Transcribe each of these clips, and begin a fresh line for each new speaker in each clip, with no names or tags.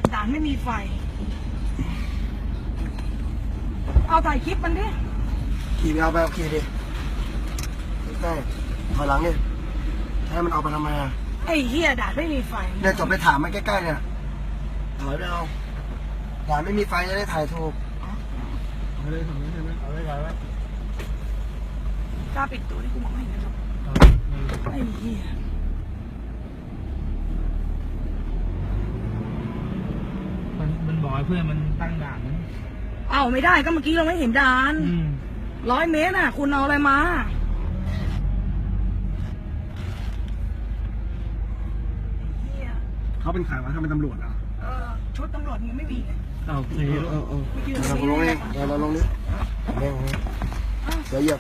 ด่านไม่มีไฟเอาถ่ายคลิปมันดิ
ขี่ไปเอาไปขี่ดิใช่ถอยหลังเนี่ยให้มันเอาไปทำไมอ่ะ
ไอ้เหี้ยด่านไม่มีไฟ
เนี่ยจบไปถามมันใกล้ๆเนี่ยถอยไปเอาด่านไม่มีไฟจะได้ถ่ายถูกเอาเลยถ่ายไว้
กล้าปิดตัวที่กูมองไม่เห็นนะครับไอ้เหี้ย
มันบอกให้เพื่อนมันตั้งด่านนะ
เอาไม่ได้ก็เมื่อกี้เราไม่เห็นด่าน100 เมตรน่ะคุณเอาอะไรมา
เขาเป็นใครวะถ้าเป็นตำรวจอ่ะ
ชุดตำรวจมึงไม่มีไง
โอเค
เราลงนี่เราลงนี่เดี๋ยวเหยียบ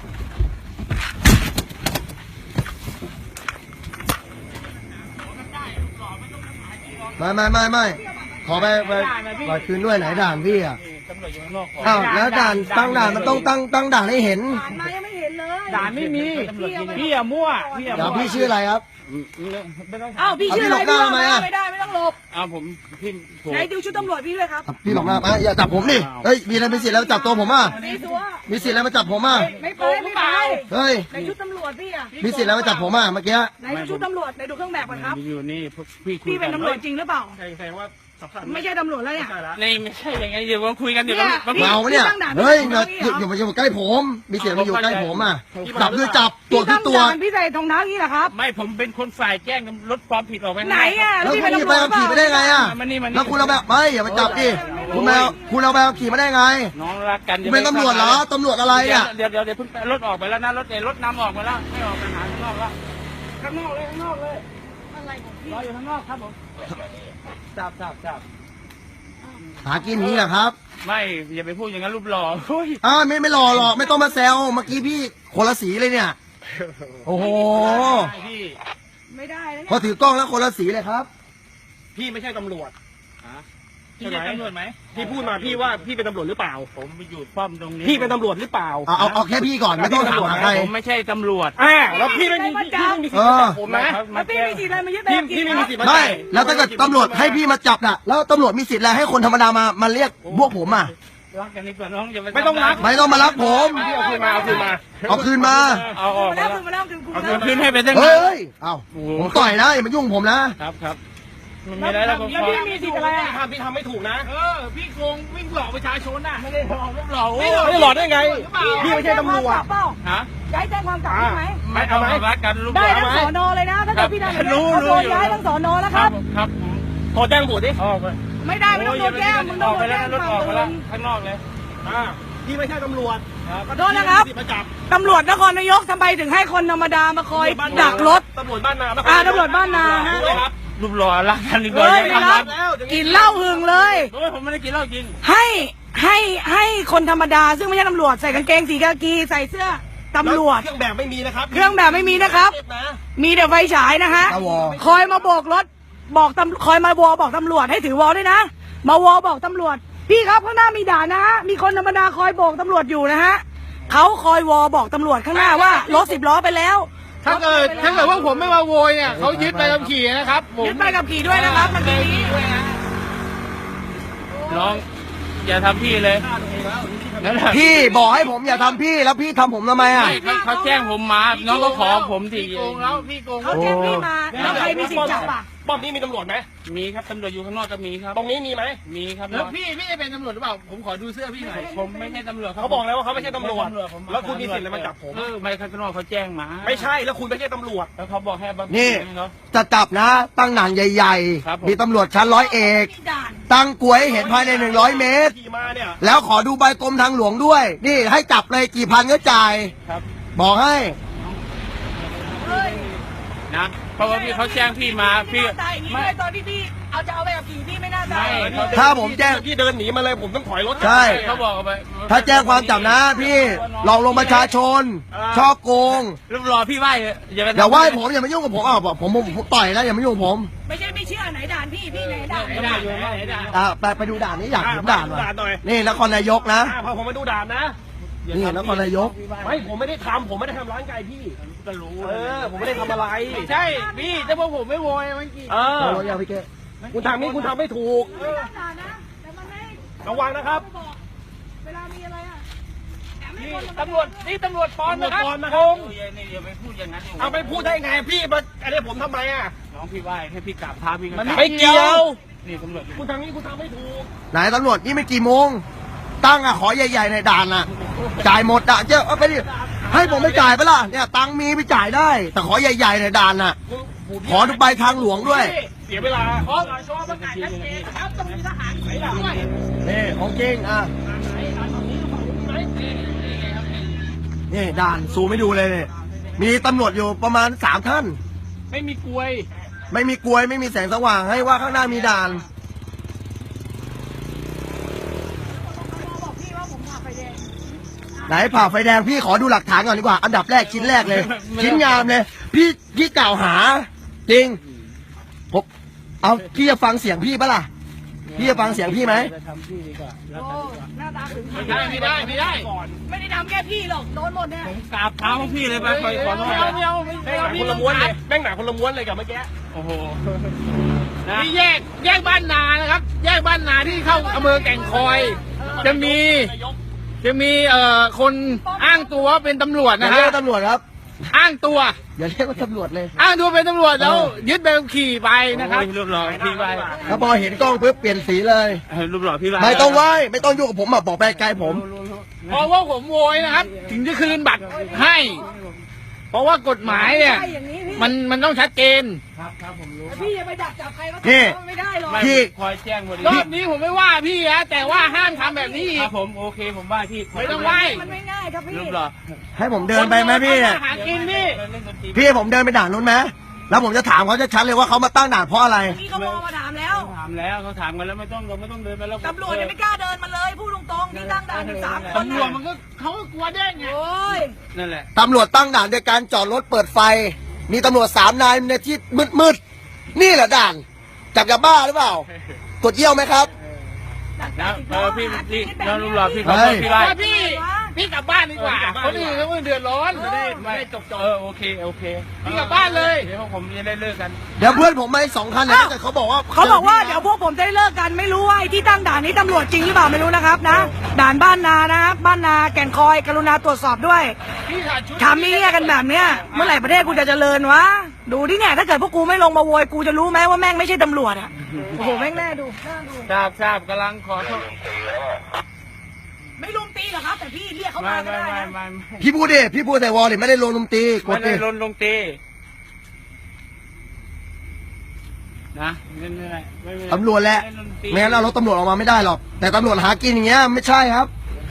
ไม่ขอไปคืนด้วยไหนด่านพี่อ่ะอ้าวแล้วด่านตั้งด่านมันต้องตั้งด่านให้เห็น
ด่านมายังไม่เห็นเลย
ด่านไม่มีพี่อะมั่ว
เดี๋ยวพี่ชื่ออะไรครับ
อ้าวพี่ชื่ออะไรพี่ไม่ได้ไม่ต้องหลบ
ผมพี่
ไหนดูชุดตำรวจพี่ด้วยครับ
พี่หลอกหน้าอย่าจับผมดิเฮ้ยมีอะไรมีสิทธิ์แล้วจับตัวผมอ่ะมีสิทธิ์แล้วมาจับผมอ่ะ
ไม่ไป
เฮ้ย
ในชุดตำรวจพี่อ่ะ
มีสิทธิ์แล้วมาจับผมอ่ะเมื่อกี้
ในชุดตำรวจในดูเครื่องแบบก่อนครับ
อยู่นี่
พี่เป็นตำรวจจริงหรือเปล่า
แสดงว่า
ไม่ใช่ตำรวจแล้วเนี่ย
นี่ไม่ใช่ยังไงเดี๋ยวมาคุยกันเดี๋ยว
เมาเนี่ยเฮ้ยอยู่มาอยู่ใกล้ผมมีเสียงมาอยู่ใกล้ผมอ่ะจับด้วยจับตัวคือตัว
พี่ใส่รองเท้านี้แหละครับ
ไม่ผมเป็นคนฝ่ายแจ้งลดความผิดออกไป
ไหนอ่ะ
แล้วคุณไปขี่ไปได้ไงอ่ะแล้วคุณเอาแบบไม่อย่าไปจับดิคุณเอาแบบขี่มาได้ไง
น้องรักกัน
เป็นตำรวจเหรอตำรวจอะไรอ่ะ
เดี๋ยวเพิ่งรถออกไปแล้วนะรถนำออกไปแล้วไม่ออกไปหาข้างนอกแล้วข้างนอกเลย
อะไรของพี่
รออยู่ข้างนอกครับผมจับ
หากินนี้แหละครับ
ไม่อย่าไปพูดอย่างนั้นรูปหล่อ
ไม่หล่อหรอกไม่ต้องมาแซวเมื่อกี้พี่คนละสีเลยเนี่ยโอ้โห
ไม่ได้
พอถือกล้องแล้วคนละสีเลยครับ
พี่ไม่ใช่ตำรวจ
พี่เป็นตำรวจไหม
พี่พูดมาพี่ว่าพี่เป็นตำรวจหรือเปล่า
ผมไปอยู่ป้อมตรงนี้
พี่เป็นตำรวจหรือเปล่า
เอาแค่พี่ก่อนไม่ต้องถามใคร
ผมไม่ใช่ตำรวจ
แล้วพี่ไม่มีสิทธิ์จับผมนะ
พี่มีสิทธิ์อะไรมายึด
แบบพี่ไม่มีสิทธิ์
ไม่แล้วถ้าเกิดตำรวจให้พี่มาจับน่ะแล้วตำรวจมีสิทธิ์อะไรให้คนธรรมดามาเรียกพวกผมอ่ะ
รักกันดีกว่าน้องอย่า
ไม่ต้องรัก
ไม่ต้องมารักผม
เอาคืนมา
เอาคืนมา
เอาคืนให้ไปตั้ง
เฮ้ยเอาผมต่อยนะอย่ามายุ่งผม
นะครับมันไม่ได้แล้ว
พี่มีสิทธิ์อะไร
พี่ทำไม่ถูกนะ
พี่โกงวิ่งหลอกประชาชนน่ะไม่ได้หลอก
ไม่หลอกได้ไงพี่ไม่ใช่ตำรวจ
ย้ายแจ้งความกลับได้ไหม
ไม่เอาไหม
ได้ทั้งสอนอเลยนะถ้าเกิดพี่ทำอย่างนี้เขาโดนย้ายทั้งสอนอแล้วครับ
โทรแจ้งตำรวจดิ
ไม่ได้ไม่ต้องโดนแจ้งมึงต้องโดนแจ้ง
รถออกไปแล้วข้างนอกเลย
พี่ไม่ใช่ตำรวจ
ขอโทษนะครับตำรวจนครนายกทำไมถึงให้คนธรรมดามาคอยดักรถ
ตำรวจบ้านนา
ตำรวจบ้านนาฮะ
รูปหล่อรักกันดีกว่า
กินเหล้าหึงเลย
ผมไม่ได้กินเหล้าจริง
ให้คนธรรมดาซึ่งไม่ใช่ตำรวจใส่กางเกงสีกากีใส่เสื้อตำรวจ
เครื่องแบบไม่มีนะครับ
เครื่องแบบไม่มีนะครับมีแต่ไฟฉายนะฮะคอยมาโบกรถคอยมาวอบอกตำรวจให้ถือวอด้วยนะมาวอบอกตำรวจพี่ครับข้างหน้ามีด่านนะฮะมีคนธรรมดาคอยโบกตำรวจอยู่นะฮะเขาคอยวอบอกตำรวจข้างหน้าว่ารถ10 ล้อไปแล้ว
ถ้าเกิดว่าผมไม่มาโวยเนี่ยเขายึดใบขับขี่นะครับ
ยึดใบขับขี่ด้วยนะครับมันเป็นนี้
น้องอย่าทำพี่เลย
พี่บอกให้ผมอย่าทำพี่แล้วพี่ทำผมทำไมอ่ะ
เขาแจ้งผมมาน้องก็ขอผมที
โกงแล้วพี่โกง
เขาแจ้งพี่มาแล้วใครมีสิทธิ์จับอ่ะ
ป้อมนี้มีตำรวจไหม
มีครับตำรวจอยู่ข้างนอกก็มีครับ
ตรงนี้มีไหม
มีครับ
แล้วพี่จะเป็นตำรวจหรือเปล่าผมขอดูเสื้อพี่หน่อย
ผมไม่ใช่ตำรวจ
เขาบอกแล้วว่าเขาไม่ใช่ตำรวจแล้วคุณมีสิทธิ์อะไรมาจับผม
ไม่ข้างนอกเขาแจ้งมา
ไม่ใช่แล้วคุณไม่ใช่ตำรวจ
แล้วเขาบอกให้
นี่จะจับนะตั้งหนังใหญ่ๆมีตำรวจชั้นร้อยเอกตั้งกลวยให้เห็นภายใน100 เมตรแล้วขอดูใบกรมทางหลวงด้วยนี่ให้จับเลยกี่พันก็จ่ายบอกให้
นะเพราะว่าพี่เขาแจ้งพี่มาพี่
ไม่ตอนที่พี่จะเอาไปกับขี่พี่ไม่น่าได้
ถ้าผมแจ้ง
พี่เดินหนีมาเลยผมต้องถอยรถ
ใช่
เขาบอกไป
ถ้าแจ้งความจับนะพี่หลอกลวงประชาชนชอบโกง
รูปรอพี่ไหว้
อย่าไหว้ผมอย่ามายุ่งกับผมผมต่อยนะอย่ามายุ่งกับผม
ไม่เชื่อไหนด่านพี่ไหนด่
านไปดูด่านนี้อยากเห็นด่านว่ะนี่นครนายกนะ
พอผมมาดูด่านนะ
นี่นครนายก
ไม่ผมไม่ได้ทำร้านไก่พี่ก็รู้ผมไม่ได้ทำอะไร
ใช่พี่แต่พวกผมไม่โวยเมื่อกี้
โวยเอาพี่เก้
คุณทำนี่คุณทำไม่ถูก
ด่านะแต่มันไม่
ระวังนะครับ
ไม่บอกเวลามีอะไรอ่ะแต่ไม่
นี่
คน
ตำรวจนี่ตำรวจปลอมนะครับ
ตำรวจปลอมนะครับ
นี่อย่าไปพูดอย่างนั้น
เอาไปพูดได้ไงพี่มาอะไรผมทำไมอ่ะ
น้องพี่ไหว้ให้พี่กราบเท้าพี่ก็
ไม่เกี่ยว
นี่ตำรวจ
คุณทำนี่คุณทำไม่ถูก
ไหนตำรวจนี่ไม่กี่โมง ตั้งอะขอใหญ่ๆในด่านอะจ่ายหมดอะเจ้าเอาไปดิให้ผมไม่จ่ายไปะล่ะเนี่ยตังค์มีไปจ่ายได้ แต่ขอใหญ่ๆในด่านอะขอดูใบทางหลวงด้วย
เสียเวลา
ขอชอประกาศชัดเจนครับต้องมีทหารไปด้วย
นี่ของจริงอ่ะนี่ด่านซูมไม่ดูเลยเนี่ยมีตำรวจอยู่ประมาณ3 ท่าน
ไม่มีกลวย
ไม่มีกลวยไม่มีแสงสว่างให้ว่าข้างหน้ามีด่าน
บอกพี่ว่าผมผ่าไฟแดง
ไหนผ่าไฟแดงพี่ขอดูหลักฐานก่อนดีกว่า อันดับแรกชิ้นแรกเลย ชิ้นงามเลยพี่กล่าวหา จริงผมเอาพี่จะฟังเสียงพี่ปะล่ะพี่จะฟังเสียงพี่ไหม
จะทำพี่ดีกว่า
โอ้หน้าตาถึง
ไม่ได้ไม่ได้ไม่ได้
ไม่ได้ทำแค่พี่หรอกโดนหมดเนี่ย
ผมกราบเท้าของพี่เลยไปขอโทษ
แม่งหนาคนละม้วนเลยแม่งหนาคนละม้วนเลยกับเมื่อกี้
โอ้โห
นี่แยกบ้านนานะครับ แยกบ้านนาที่เข้าอำเภอแก่งคอย จะมีคนอ้างตัวว่าเป็นตำรวจ
อย่า
นะ
เรีย
ฮะ
กตำรวจครับ
อ้างตัว
อย่าเรียกว่าตำรวจเลย
อ้างตัวเป็นตำรวจแล้วยึดใบขับขี่ไปนะครับ
รูปหล่อพี่ไหว้
ถ้าพอเห็นกล้องปุ๊บเปลี่ยนสีเลย
รูปหล่อพี่ไหว้
ไม่ต้องไหว้ไม่ต้องยุ่งกับผมอะบอกไปไกลผม
เพราะว่าผมโวยนะครับ ถึงจะคืนบัตรให้ เพราะว่ากฎหมายเนี่ย
ใช่อย่างนี้พี่
มันต้องชัดเจน
ครับผมรู้
พี่อย่าไปดักจับใครก็
นี่
ไม่ได้หรอก
ไม่
พี่
คอยแจ้งหมด
รอบนี้ผมไม่ว่าพี่นะแต่ว่าห้ามทำแบบนี้อี
ค
ก
รับผมโอเคผมไหว้พี่
ไม่ต้องไหว้
มันไม่ง่ายครับพี่
รูปหล่อ
ให้ผมเดินไปไหมพี่เนี่ย
หากินพี่
พี่ให้ผมเดินไปด่านนู้นไหมแล้วผมจะถามเขาจะชัดเลยว่าเขามาตั้งด่านเพราะอะไร
พี่ก็มองมาถามแล้ว
ถามแล้วเขาถามกันแล้วไม่ต้องเราไม่ต้องเดินไปแล้ว
ตำรวจยังไม่กล้าเดินมาเลยพูดตรงๆที่ตั้งด่านอยู่3 คน
ตำรวจมันก็เขาก็กลัวเด้งไง
โอ้ย
นั่นแหละ
ตำรวจตั้งด่านด้วยการจอดรถเปิดไฟ มีตำรวจ3 นายในที่มืดๆนี่แหละด่านจับยาบ้าหรือเปล่าตรวจเยี่ยวไหมครับ
นะพี่น้องรูปหล่อพี่ขอโทษพี่ไหว้
ว่าพี่กลับบ้านดีกว่าคนอื่นเขาเดือดร้อน
ไม่จบโอเค
พี่กลับบ้านเลย
เดี๋ยวผมจะได้เลิกกัน
เดี๋ยวเพื่อนผมมาอีก2 คันเนี่ยถ้าเกิดเขาบอกว่า
เขาบอกว่าเดี๋ยวพวกผมจะได้เลิกกันไม่รู้ว่าไอ้ที่ตั้งด่านนี้ตำรวจจริงหรือเปล่าไม่รู้นะครับนะ ด่านบ้านนานะครับบ้านนาแก่งคอยกรุณาตรวจสอบด้วย
พี่ขาดชุด
ทำนี่กันแบบเนี้ยเมื่อไหร่ประเทศกูจะเจริญวะดูที่เนี่ยถ้าเกิดพวกกูไม่ลงมาโวยกูจะรู้ไหมว่าแม่งไม่ใช่ตำรวจอ่ะโอ้โหแม่งแน่ดูน่าดู
ทราบกำลังขอโทษ
ไม่ลุมตีหรอกครับ แต่พี่เรียกเขามาก็ได้นะ
พี่พูดดิพี่พูดแต่วอลเลยไม่ได้ลงลุมตีก
ไม่
ด
ได้
ดิ
ลงตีนะไม่
ตำรวจแหละไม่งั้นเอารถตำรวจออกมาไม่ได้หรอกแต่ตำรวจหากินอย่างเงี้ยไม่ใช่ครับ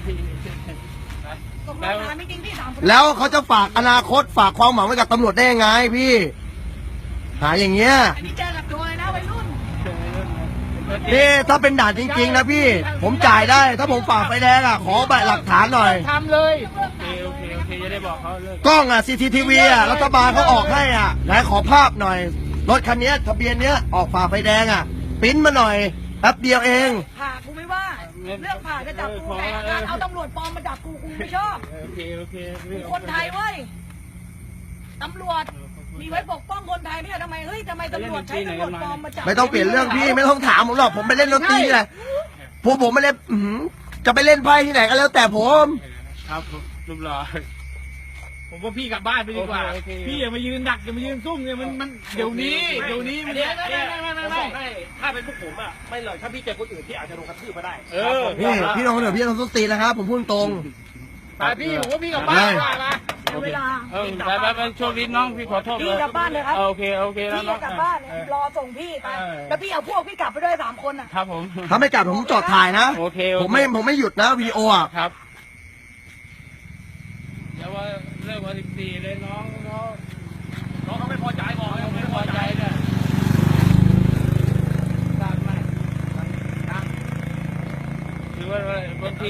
ตกลงถามจริงๆพี่ถาม
แล้วเขาจะฝากอนาคตฝากความหวังไว้กับตำรวจได้ยังไงพี่ หาอย่างเงี้ย
อันนี้เจอกับตัวเลยนะวัยรุ่น
นี่ถ้าเป็นด่านจริงๆนะพี่ ผมจ่ายได้ ถ้าผมฝ่าไฟแดงอ่ะขอใบหลักฐานหน่อย
ทำเลย
โอเคจะได้บอกเขาเลิก
กล้องอ่ะ CCTV อ่ะรัฐบาลเขาออกให้อ่ะไหนขอภาพหน่อย รถคันนี้ทะเบียนเนี้ยออกฝ่าไฟแดงอ่ะปริ้นมาหน่อยแป๊บเดียวเอง
ผ่ากูไม่ว่าเรื่องผ่าจะจับกูแต่การเอาตำรวจปลอมมาจับกูไม่ชอบ
โอเค
คนไทยเว้ยตำรวจมีไว้ปกป้องคนไทยเนี่ยทำไมตำรวจใช้ตำรวจปลอมมาจับ
ไม่ต้องเปลี่ยนเรื่องพี่ไม่ต้องถามผมหรอกผมไปเล่นดนตรีแหละพวกผมไม่เล่นจะไปเล่นไพ่ที่ไหนก็แล้วแต่ผม
ครับรูปหล่อ
ผมว่าพี่กลับบ้านไปดีกว่า
โอเค
พี่อย่ามายืนดักอย่ามายืนซุ่มเนี่ยมันเดี๋ยวนี้มัน
เนี่ยถ้าเป็นพวกผมอ่ะไม่เลยถ้าพี่เจอคนอื่นพี่อาจจะโดนกระทืบมาได้
พี่น้องเดี๋ยวพี่ต้องส้นตีนนะครับผมพูดตรง
ไปพี่ผมว่าพี่กลับบ้านดีกว่านะ
เวลา
ไปช่วงนี้น้องพี่ขอโทษ
พี่กลับบ้านเลยครับ
โอเคแล้ว
พี่
น้
จะ
อง
กลับบ้านรอส่งพี่ไปแล้วพี่เอาพวกพี่กลับไปด้วย3 คนอ่ะ
ครับผม
ถ้าไม่กลับผมจอดถ่ายนะ
โอเค
ผมไม่หยุดนะวีโออ่ะ
ครับเดี๋ยวว่าเลิกวัน14เลยน้องเขาไม่พอใจบอกไม่พอใจเนี่ยทราบไหมคือว่าบางที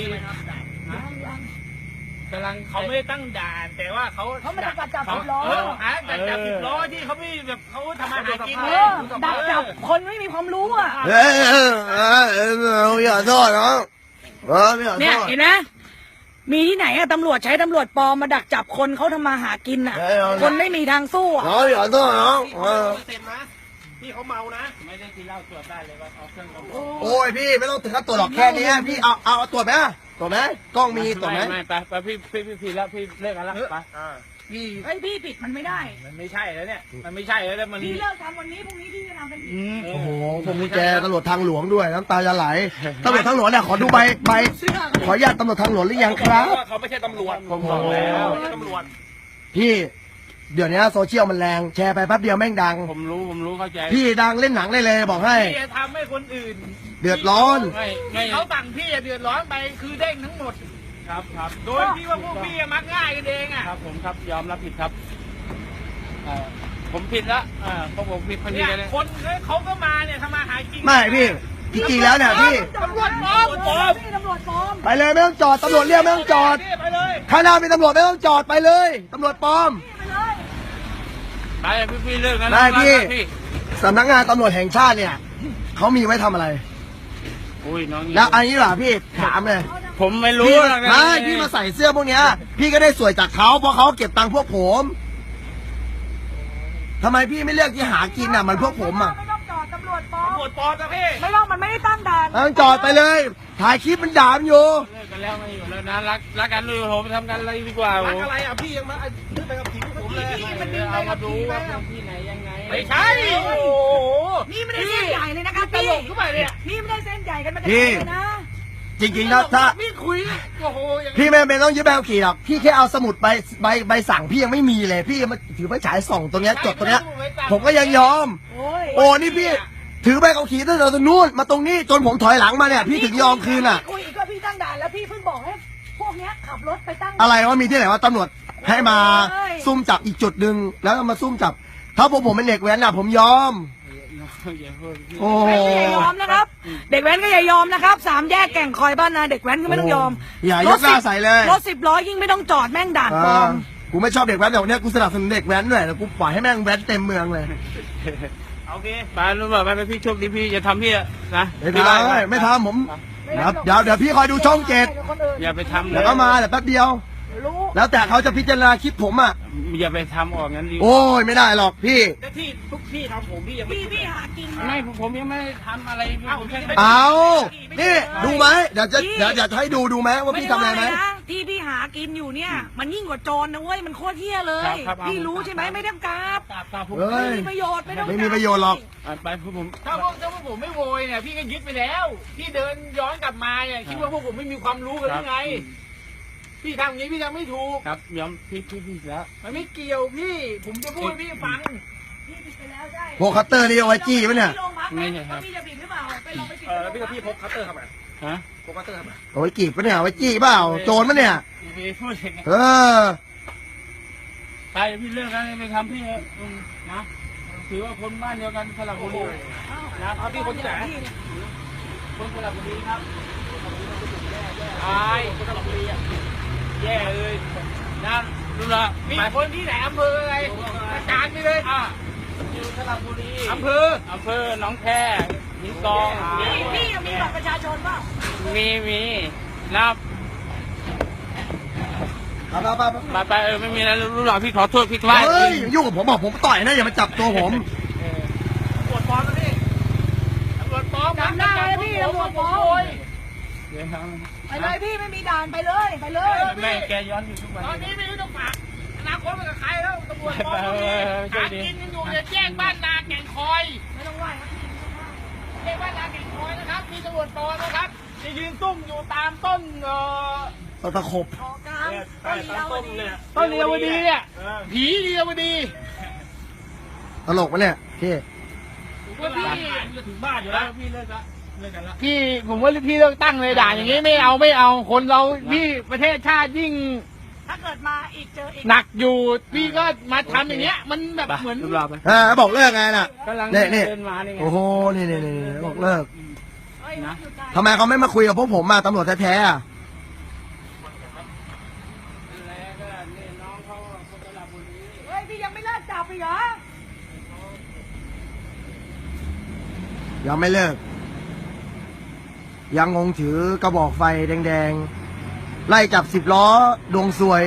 กำลัง
เขาไม่ได้ตั้งด่านแต่ว่าเขา
เขาไม่ได้จับ10 ล้อ
จับ10 ล้อที่เขาไม่แบบเขาทำมาหากิน
ดักจับคนไม่มีความรู้อ่ะ
อย่าโทษนะไม่ขอโท
เนี่ย
ษ
เห็นไหมมีที่ไหนอะตำรวจใช้ตำรวจปลอมมาดักจับคนเขาทำมาหากินอะคนไม่มีทางสู้อะ
น้องอย่าโทษน้อง
เซ็นนะพี่เขาเมานะ
ไม่ได้กินเหล้าตรวจได้เลยว่าเอาเครื่องตรวจ
โอ้ยพี่ไม่ต้องถึงกับตรวจหรอกแค่นี้พี่เอาตรวจไหมตรวจไหมกล้องมีตรวจไหม
ไม่ไปพี่แล้วพี่เลิกกันแล้วไปพี่
เฮ้ยพี่ปิดมันไม่ได้
มันไม่ใช่แล้วเนี่ยมันไม่ใช่แล้วมัน
พี่เลิกทำวันนี้พรุ่งนี้พี่จะทำกันอีก
โอ้โหผมมีแกตำรวจทางหลวงด้วยน้ำตาจะไหลตำรวจทางหลวงเนี่ยขอดูใบขออนุญาตตำรวจทางหลวงหรือยังครับ
เขาไม่ใช่ตำรวจ
ผมบอกแล้ว
ไม่ใช่ตำรวจ
พี่เดี๋ยวนี้โซเชียลมันแรงแชร์ไปแป๊บเดียวแม่งดัง
ผมรู้เข้าใจ
พี่ดังเล่นหนังได้เลยบอกให้
พี่จะทำให้คนอื่น
เดือดร้อน
ไม่
เขาสั่งพี่จะเดือดร้อนไปคือเด้งทั้งหมด
ครับ
โดยที่ว่าพวกพี่มักง่ายกันเองอ่ะ
ครับผมครับยอมรับผิดครับผมผิดแล้วเพราะผมผิดพอดี
เนี่ย
เลย
คนเขาก็มาเนี่ยทำมาหากิน
ไม่พี่จริงๆแล้วเนี่ยพี่
ตำรวจปลอม
พี่ตำรวจปลอม
ไปเลยไม่ต้องจอดตำรวจเรียกไม่ต้องจอด
ไปเลย
ข้างหน้ามีตำรวจไม่ต้องจอดไปเลยตำรวจปลอม
ไปเลย
ไปพี่เลิกกัน
ได้พี่ สำนักงานตำรวจแห่งชาติเนี่ยเขามีไว้ทำอะไร
อุ้ยน้อง
แล้วอันนี้ล่ะพี่ถามเลย
ผมไม่รู้
พี่ไม่พี่มาใส่เสื้อพวกเนี้ยพี่ก็ได้สวยจากเขาเพราะเขาเก็บตังค์พวกผมทำไมพี่ไม่เลือกที่หากินอ่ะมันพวกผมอ่ะ
ไม่ต้องจอดตำรวจปลอม
ตำรวจปลอมนะพี่
ไม่ต้องมันไม่ได้ตั้งด่าน
ต้องจอดไปเลย ถ่ายคลิปมันด่ามันอยู่
เลิกกันแล้วไม่อยู่แล้วนะรักกันเลยผมทำกันอะไรดีกว่า
รักอะไรอ่ะพี่ยังมาขึ้นไปกับผีพวกผมเลย
เอามาดูว่าที่ไหนยังไง
ไม่ใช่โอ้โห
นี่ไม่ได้เส้นใหญ่เลยนะครับ
ต
พี่
ลกขึ้นไปเนี่ย
นี่ไม่ได้เส้นใหญ่กันมาจาก
พี่
ไหนเลยนะ
จริงๆนะถ้า
พี่คุยโอ้โหอย่างนี้
พี่ไม่เป็นต้องยึดใบขับขี่หรอกพี่แค่เอาสมุดใบสั่งพี่ยังไม่มีเลย พี่มาถือไฟฉายส่องตรงเนี้ยจดตรงเนี้ย ผมก็ยังยอม
โอ้ย
โอ้นี่พี่ ถือใบขับขี่ตั้งแต่ตรงนู้นมาตรงนี้จนผมถอยหลังมาเนี่ย พี่ถึงยอมคืนอ่ะ
คุยอีกก็พี่ตั้งด่านแล้วพี่เพิ่งบอกให้พวกเนี้ยขับรถไปตั้ง
อะไรว่ามีที่ไหนว่าตำรวจให้มาซุ่มจับอีกจุดหนึ่งแล้วมาซุ่มจับ ถ้าพวกผมเป็นเด็กแว้นอ่ะผมยอม โอ้
เด็กแว้นก็อย่ายอมนะครับ เด็กแว้นก็อย่ายอมนะครับสามแยกแก่งคอยบ้านนาเด็กแว้นก็ไม่ต้องยอม
อย่ายกหน้าใส่เลย
รถ10 ล้อยิ่งไม่ต้องจอดแม่งด่านปลอม
กูไม่ชอบเด็กแว้นแต่วันเนี้ยกูสนับสนุนเด็กแว้นด้วยแล้วกูปล่อยให้แม่งแว้นเต็มเมืองเลย
โอเค
ไปรู้ป่ะไปพี่โชคดีพี่จะทำพี่นะ
ไม่ทำผมเดี๋ยวพี่คอยดูช่องเจ็ด
อย่าไปทำเล
เดี๋ย
ยว
ก็มาเดี๋ยวแป๊บเดียว
รู้
แล้วแต่เขาจะพิจารณาคลิปผมอ่ะ
อย่าไปทำออกงั้นดี
โอ้ยไม่ได้หรอกพี่
แต่ที่ทุกที่ทำผมพี่ยังไม่
พี่หากิน
ไม่ผมยังไม่ทำอะไรผมแค่
เอานี่ดูไหมเดี๋ยวจะให้ดูไหมว่าพี่ทำอะไรไหม
ด้ว่านะที่พี่หากินอยู่เนี่ย มันยิ่งกว่าโจรนะเว้ยมันโคตรเที่ยเลย พี่รู้ใช่ไหมไม่ต้องกราบ
ตาผม
เฮ้ย
ไม่มีประโยชน์ไม่ต้อง
ไม่มีประโยชน์หรอก
ไปผม
ถ้าพวกผมไม่โวยเนี่ยพี่ก็ยึดไปแล้วพี่เดินย้อนกลับมาเนี่ยคิดว่าพวกผมไม่มีความรู้กันหรือไงพี่ทำอย่างนี้พี่ทำไม่ถูก
ครับยอมพี่แล้ว
มันไม่เกี่ยวพี่ ผมจะพูดให้พี่ฟัง
พี่ผิดไปแล้วใช่
พวกคัตเตอร์นี่เอาไว้จี้ปะเนี่ย
พี่โรงพักไหมว่าพี่จะผิดหรือเปล่าไปลองไปผิด
แล้วพี่กับพี่พกคัตเตอร์ทำไม
ฮะ
พกคัตเตอร์ทำไม
เอาไว้จีบปะเนี่ยเอาไว้จี้เปล่าโจรปะเนี่ย
พี่พูดอย่างนี้
เออ
ไปพี่เลิกแล้วไปทำพี่นะถือว่าคนบ้านเดียวกันสระบุรีนะ
เอาพี่คนที่ไหน
คนสระบุรีครับ
ตายคนตลกบุรีอ่ะแย่เลย
นะรู้ละ
มีคนที่ไหนอำเภออะไรประกาศไปเลย
อยู่สระบุรี
อำเภอ
หนองแคหินกอง
พี่ยังมีบัตรประชาชนเปล่า
มีนับไปไม่มีแล้วรู้หรอพี่ขอโทษพี่คลาย
เฮ้ยยุ่งกับผมบอกผมต่อยนะอย่ามาจับตัวผม
ตรวจปลอมนะพี่
ตำรวจปลอม
จำได้เลยพี่ตำรวจปลอม
เดี๋ยว
ไปเลยพี่ไม่มีด่านไปเลยไปเลย
แม่แกย้อนอยู่ทุกวัน
ตอนนี้ไม่รู้ต้องฝากอนาคตมันกับใครแล้วตำรวจปลอมก็มีหากินกันอยู่เนี่ยแจ้งบ้านนาแก่งคอย
ไม่ต้องไหวครับพี่
แจ้งบ้านนาแก่งคอยนะครับมีตำรวจปลอมนะครับจะยืนซุ่มอยู่ตามต้น
ตะขบ
ออกกลาง
ใต้ตั้งต้นเนี่ย
ต้นเรียวดีเนี่ยผีเรียวดี
ตลกปะเนี่ยพี่
ว่าพี่
จะถึงบ้านอยู่แล้ว
พี่เลิกกันละ
พี่ผมว่าพี่เลือกตั้งเลยด่าอย่างนี้ไม่เอาคนเราพี่ประเทศชาติยิ่ง
ถ้าเกิดมาอีกเจออีก
หนักอยู่พี่ก็มาทำอย่างเงี้ย มันแบบเหมือน
รูปรอไป
บอกเลิกไงน่ะ
กำลัง
นี่
เดินมานี่ไง
โอ้โหนี่บอกเลิก
เฮ้ยหยุดได้
ทำไมเขาไม่มาคุยกับพวกผมอ่ะตำรวจแท้ๆอ่ะ
เฮ้ยพี่ยังไม่เลิกจับอีกเหรอ
ยังไม่เลิก ยังงงถือกระบอกไฟแดงๆ ไล่จับ10 ล้อดวงซวย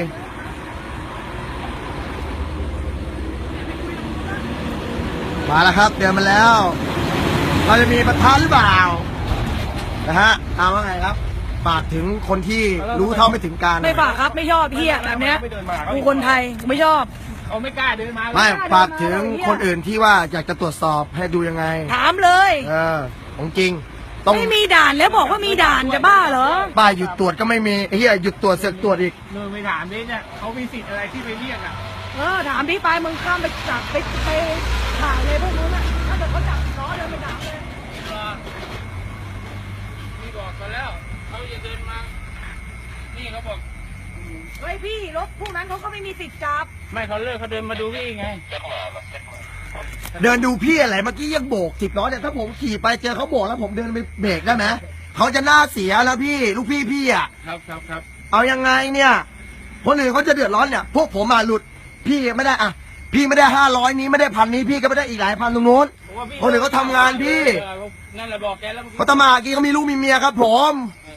มาแล้วครับเดินมาแล้ว เราจะมีประธานหรือเปล่านะฮะเอาว่าไงครับฝากถึงคนที่รู้เท่าไม่ถึงการ
ไม่ฝากครับไม่ชอบเฮียแบบเนี้ยกูคนไทยกูไม่ชอบ
เขาไม่กล้าเดินมา
ไม่ฝากถึงคนอื่นที่ว่าอยากจะตรวจสอบให้ดูยังไง
ถามเลย
ของจริงต้อง
ไม่มีด่านแล้วบอกว่ามีด่านจะบ้าเหรอ
ป้ายหยุดตรวจก็ไม่มีไอ้เหี้ยหยุดตรวจเสือกตรวจอีก
เดินไปถามดิเนี่ยเขามีสิทธิ์อะไรที่ไปเรียกอ่ะ
ถามพี่ไปมึงข้ามไปจับไปถ่ายเลยพวกนู้นอ่ะถ้าเกิดเขาจับล้อเดินไปด่าเลย
พี่บอกกันแล้วเขาจะเดินมา นี่เขาบอก
เฮ้ยพี่รถพวกนั้นเขาก็ไม่มีสิทธิ์จับ
ไม่เขาเลิกเขาเดินมาดูพี่ไง
เดินดูพี่อะไรเมื่อกี้ยังโบก10 ล้อเนี่ยถ้าผมขี่ไปเจอเขาโบกแล้วผมเดินไปเบรกได้ไหมเขาจะหน้าเสียแล้วพี่ลูกพี่อ่ะ
ครับ
เอายังไงเนี่ยคนอื่นเขาจะเดือดร้อนเนี่ยพวกผมหลุดพี่ไม่ได้อะพี่ไม่ได้500นี้ไม่ได้1,000นี้พี่ก็ไม่ได้อีกหลายพันตรงนู้นคนอื่นเขาทำงานพี่
นั่นแหละบอกแกแล้ว
เขาทำมาหากินเขามีลูกมีเมียครับผม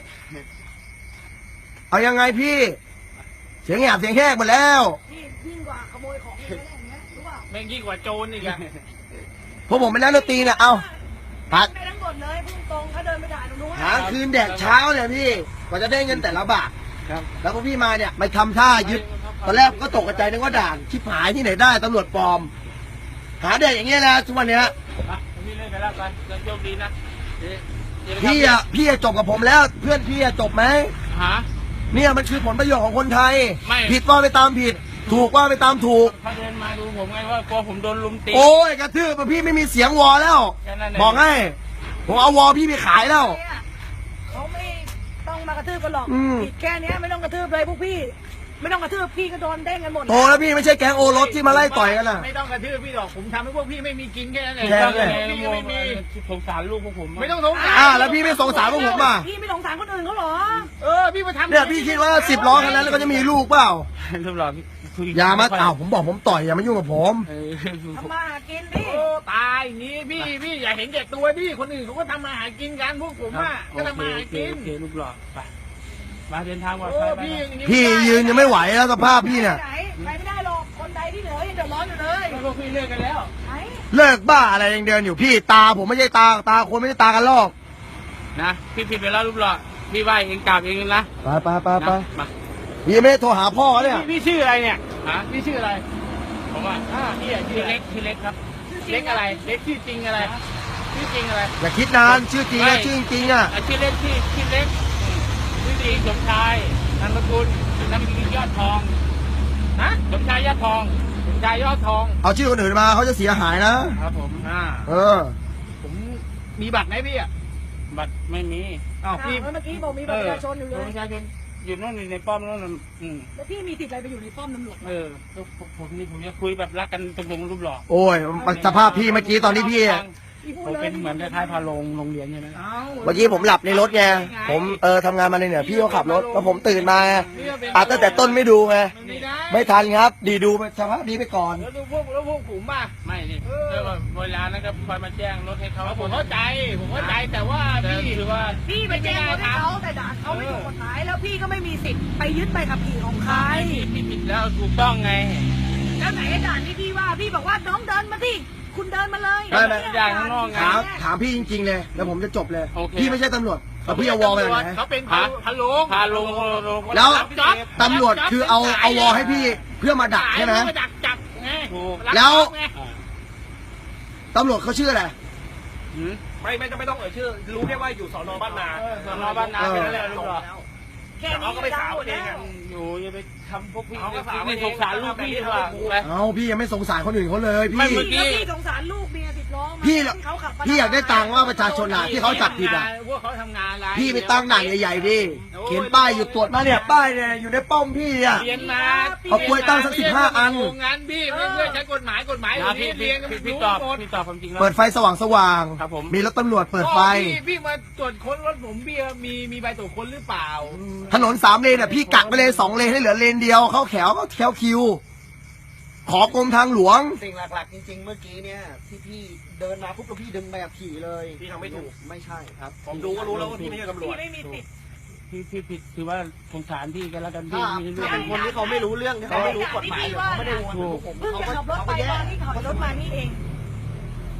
เอายังไงพี่เสียงแหบเสียงแหกหมดแล้ว
พี่ยิ่งกว่าขโมยของเลยนะอย่างเงี้ยรู้เปล่า
แม่งยิ่งกว่าโจรอีกอะ
พวกผมเป็นนักดนตรีเนี่ยเอาพัก
ไปทั้งหมดเลยพุ่งตรงถ้าเดินไปด่าตรงนู้น
หาคืนแดกเช้าเนี่ยพี่กว่าจะได้เงินแต่ละบาท
ครับ
แล้วพอพี่มาเนี่ยไปทำท่ายึดตอนแรกก็ตกใจนึกว่าด่านชิบหายที่ไหนได้ตำรวจปลอม หาเด็กอย่างเงี้ยนะทุกวันเนี้ย
พี่เล่นไปแล้วกันโชคดีนะ
พี่อะจบกับผมแล้ว เพื่อนพี่อะจบไหม
หา
เนี่ยมันคือผลประโยชน์ของคนไทย
ไม่
ผิดว่าไปตามผิด ถูกว่าไปตามถูก
เขาเดินมาดูผมไงว่ากลัวผมโดนลุมตี
โอ้ยกระทืบพี่ไม่มีเสียงวอแล้ว
แค่นั้นเอง
บอกให้ผมเอาวอพี่ไปขายแล้ว
เขาไม่ต้องมากระทืบกันหรอก
อืม
ผิดแค่เนี้ยไม่ต้องกระทืบเลยพวกพี่ ไม่ต้องกระทืบพี่ก็โดนเด้งกันหมด
โตแล้วพี่ไม่ใช่แก๊งโอรสที่มาไล่ต่อยกันน่ะ
ไม่ต้องกระทืบพี่หรอกผมทำให้พวกพี่ไม่มีกินแค่นั้นเอง
แค่นั้น
พี่ก็ไม่มี
สงสารลูกพวกผม
ไม่ต้องสงสาร
แล้วพี่ไม่สงสารพวกผมอ่ะ
พี่ไม่สงสารคนอื่นเขาเหรอ
พี่มาทำ
เนี่ยพี่คิดว่า10 ล้อคันนั้นแล้วก็จะมีลูกเปล่า
ทุกหลอดคุย
อย่ามาผมบอกผมต่อยอย่ามายุ่งกับผม
ทำมาหากินพี่
โอ้ตายอย่างนี้พี่อย่าเห็นแก่ตัวพี่คนอื่นเขาก็ทำมาหากินกันพวกผมอ่ะก็ทำมาหากิน
โอเคลูกหลอดไปมาเดินทางปลอด
โอ้
ภัยไป
พี่อย่างนี้
พี่ยืนยังไม่ไหวแล้วสภาพพี่เนี่ย
ไหนไปไม่ได้หรอกคนใดที่เหลือยังเดือดร้อนอยู่เลย
พวกพี่เลิกกันแล้ว
ไหน
เลิกบ้าอะไรยังเดินอยู่พี่ตาผมไม่ใช่ตาคนไม่ใช่ตากันลอก
นะพี่ผิดไปแล้วลูกหลอดพี่ไหวเองกราบเองนะ
ไป
มา
พี่ไม่ได้โทรหาพ่อเนี่ย
พี่ชื่ออะไรเนี่ย
ฮะ
พี่ชื่ออะไร
ผมว่า
พี่อะชื่
พี่
ออะไร
เล็กพี่เล็กครับ
เล็กอะไรเล็กชื่อจริงอะไรชื่อจริงอะไร
อย่าคิดนานชื่อจริงนะชื่อจริงอ่ะ
ชื่อเล็กชื่อเล็กชื่อจริงสมชายนามสกุลยอดทอง
ฮะ
สมชายยอดทอง
ชายยอดทอง
เอาชื่อคนอื่นมาเขาจะเสียหายนะครับ
ผม
ผมมีบัตรไหมพี่อ่ะ
บัตรไม่มี
อ้าว
พี่
พี่
เมื่อกี้บอกมีบัตรประชาชนอยู่เลย
ประชาชนอยู่นู่นในป้อมนู่น
แล้วพี่มีสิทธิ์อะไรไปอยู่ในป้อมตำรวจ
ผมนี่ผมจะคุยแบบรักกันตรงๆรูปหล่อ
โอ้ยสภาพพี่เมื่อกี้ตอนที่พี่
พี่พูด
ผม
เลย
เป็นเหมือนคล้ายๆพาโรงเรียนใช่ไหม
เมื่อกี้ผมหลับในรถไงผมทำงานมาเนี่ยพี่เขาขับรถแล้วผมตื่นมาตั้งแต่ต้นไม่ดูไง
ไม่ได้
ไม่ทันครับ ดีดูสภาพนี้ไปก่อน
แล้วดูพวกผมป่ะ
ไม่นี่เวลานะครับคอยมาแจ้งรถให้เขา
ผมเข้าใจแต่ว่าพี่
คือว่า
พี่ไปแจ้งคนให้เขาแต่ด่านเขาไม่ถูกกฎหมายแล้วพี่ก็ไม่มีสิทธิ์ไปยึดใบขับขี่ของใคร
ผิดแล้วถูกต้องไง
แล้วไหนไอ้ด่านที่พี่ว่าพี่บอกว่าน้องเดินมาที่คุณเดินมาเลย
ไม่ไม่
ด่านข้างนอกไง
ถามพี่จริงๆเลยแล้วผมจะจบเลย
โอเค
พี่ไม่ใช่ตำรวจเอาพี่เอาวอลไปไหน
เขาเป็นพะโล้
พาลง
แล้วตำรวจคือเอาวอลให้พี่เพื่อมาดักใช่ไหม
มาดักจับไง
แล้ว ตำรวจเขาชื่ออะไร
ไม่ต้องเอ่ยชื่อ รู้แค่ว่าอยู่สอนอบ้านนา
สนบ้านนาเป็นอะไรลูกหล่อ
แค่นี้ก็ดังหมดแล้ว
อยู่อย่าไปทำพวกพี่นี่สงสารลูกพี่ดีกว่าไป
เอาพี่ยังไม่สงสารคนอื่นเขาเลย
ไม่
พี่
เมื่อกี้
พี่สงสารลูกเมียติดล้อมา
พี่
ที่เขาขับ
พี่อยากได้ตังค์ว่าประชาชนอ่ะที่เขาจับผิดอ่ะ
พวกเขาทำงานอะไร
พี่ไปตั้งด่านใหญ่ๆดิเขียนป้ายหยุดตรวจมาเนี่ยป้ายเนี่ยอยู่ในป้อมพี่อ่ะ
เรียนมา
เอากล้วยตั้งสัก15 อัน
งานพี่ไม่เพื่อใช้กฎหมาย
พี่
เรียน
พี่ตอบความจริงแล้ว
เปิดไฟสว่าง
ครับผม
มีรถตำรวจเปิดไฟ
พี่มาตรวจค้นรถผมพี่มีใบตรวจค้นหรือเปล่า
ถนน3 เลนอ่ะพี่กักไปเลย2 เลนให้เหลือเลนเดียวเข้าแถวก็แถวคิว ขอกรมทางหลวง
สิ่งหลักๆจริงๆเมื่อกี้เนี่ยที่พี่เดินมาปุ๊บแล้วพี่ดึงใบขับขี่เลย
พี่ทำไม่ถูก
ไม่ใช่ครับ
ผมดูก็รู้แล้วว่าพี่ไม่ใช่ตำร
พี่
วจ
ไม่มีสิทธิ์
พี่ผิดคือว่าสงสารพี่กันแล้วกันพี่
ถ้า
ไม่
ถ้าเป็นคนที่เขาไม่รู้เรื่องที่เขาไม่รู้กฎหมายเลยเขาไม่ได้วนเหมือนพวกผม
เพิ่ง
เขา
จะ
ก็
ขับรถ
เขา
ไป
ก็แย่
ตอนที่ขับรถมานี่เอง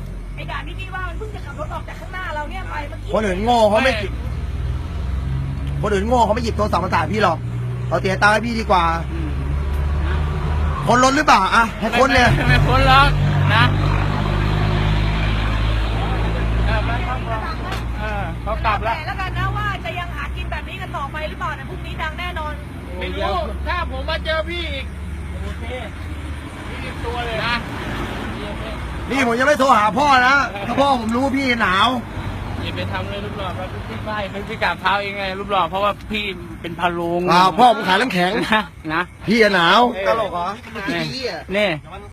อ้ด่านที่พี่ว่ามันเพิ่งจะขับรถออกจากข้างหน้าเราเนี่ยไปเมื่อกี้
คนอื่นโง่เขาไม่คนอื่นโง่เขาไม่หยิบโทรศัพท์มาถ่ายพี่หรอกเราเสียตังค์ให้พี่ดีกว่าคนรถหรือเปล่าอะให้คนเนี่ย
ไม่พ้นหรอกนะเขากลับแล้ว
แล้วกันนะว่าจะยังหากินแบบนี้กันต่อไปหรือเปล่าเนี่ยพรุ่งนี้ดังแน่นอน
ไม่รู้ถ้าผมมาเจอพี่อีกโอเคพี่ตัวเลยนะ
นี่ผมยังไม่โทรหาพ่อนะถ้าพ่อผมรู้ว่าพี่หนาว
อย่าไปทำเลยรูปหล่อครับพี่ไหว้พี่กราบเท้าเองไงรูปหล่อเพราะว่าพี่เป็นพะโลุง
พ่อผมขายน้ำแข็ง
นะ
พี่หนาว
ตลกเหรอเมื่อกี้อ่ะ
นี่